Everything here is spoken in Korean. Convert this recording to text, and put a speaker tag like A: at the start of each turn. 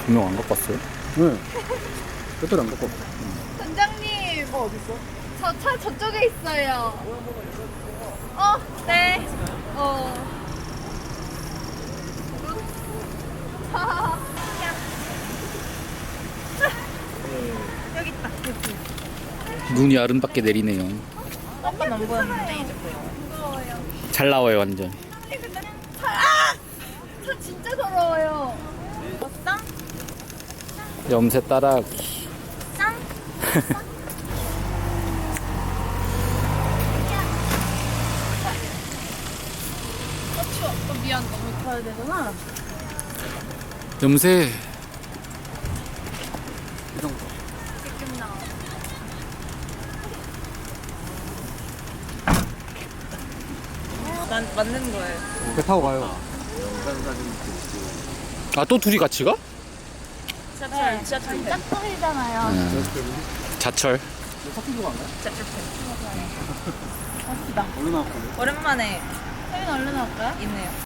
A: 분명 안 갖고 왔어요?
B: 네. 배터리 안 갖고 왔어.
C: 선장님. 어딨어? 저 차 저쪽에 있어요. 네. 여기 있다.
A: 눈이 아름답게 내리네요.
C: 아까 안 보였는데 이제 보여. 무서워요.
A: 잘 나와요 완전.
C: 차 진짜 더러워요. 쌍?
A: 염새 따라하기.
C: 쌍? 추워. 미안. 너무 가야 되구나.
A: 염새.
B: 이 정도.
C: 지금 나와. 난 맞는 거예요.
B: 배 타고 가요.
A: 아 또 둘이 같이 가?
C: 지하철, 지하철. 짝꿍이잖아요.
A: 자철.
B: 사투리가 안 가요?
C: 지하철.
B: 얼른 나왔거든.
C: 오랜만에. 세민 얼른 나올까요? 있네요.